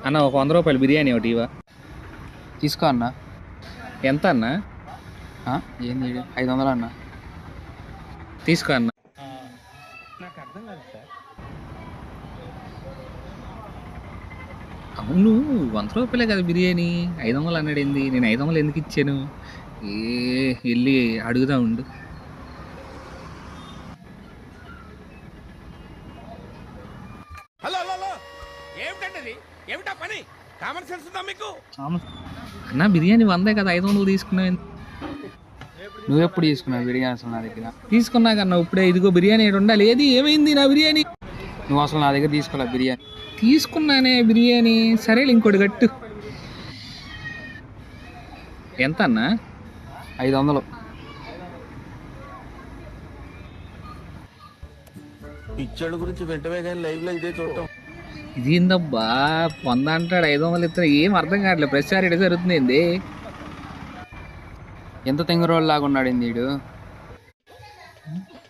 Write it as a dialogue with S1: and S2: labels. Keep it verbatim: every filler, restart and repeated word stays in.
S1: అన్న ఒక వంద రూపాయలు బిర్యానీ ఒకటి ఇవా.
S2: తీసుకో అన్న.
S1: ఎంత అన్న?
S2: ఏంది ఐదు వందలు అన్న.
S1: తీసుకో అన్న.
S3: నాకు అర్థం కాదు సార్.
S1: అవును వంద రూపాయలే కదా బిర్యానీ, ఐదు వందలు అన్నాడు ఏంది? నేను ఐదు వందలు ఎందుకు ఇచ్చాను? ఏ వెళ్ళి అడుగుదా ఉండు.
S3: హలో హలో ఏమిటండి ఏమిటా పని? కామన్ సెన్స్ ఉందా మీకు?
S1: అన్న బిర్యానీ వందే కదా, ఐదు వందలు తీసుకున్నావు.
S2: నువ్వు ఎప్పుడు తీసుకున్నావు బిర్యానీ అసలు నా దగ్గర?
S1: తీసుకున్నాకన్నా ఇప్పుడే. ఇదిగో బిర్యానీ ఏడు ఉండాలి. ఏది ఏమైంది నా బిర్యానీ?
S2: నువ్వు అసలు నా దగ్గర తీసుకోలే బిర్యానీ.
S1: తీసుకున్నానే బిర్యానీ. సరేలే ఇంకోటి గట్టు. ఎంత అన్నా?
S2: ఐదు వందలు.
S3: పిచ్చోడు గురించి వెంటనే కానీ లైవ్ లో ఇదే చూడటం.
S1: ఇది ఏందబ్బా వంద అంటాడు, ఐదు వందలు ఇస్తాడు. ఏం అర్థం కావట్లేదు. ప్రతిసారి ఇటు జరుగుతుంది ఏంది?
S2: ఎంత తెంగరోళ్ళలాగా ఉన్నాడు వీడు.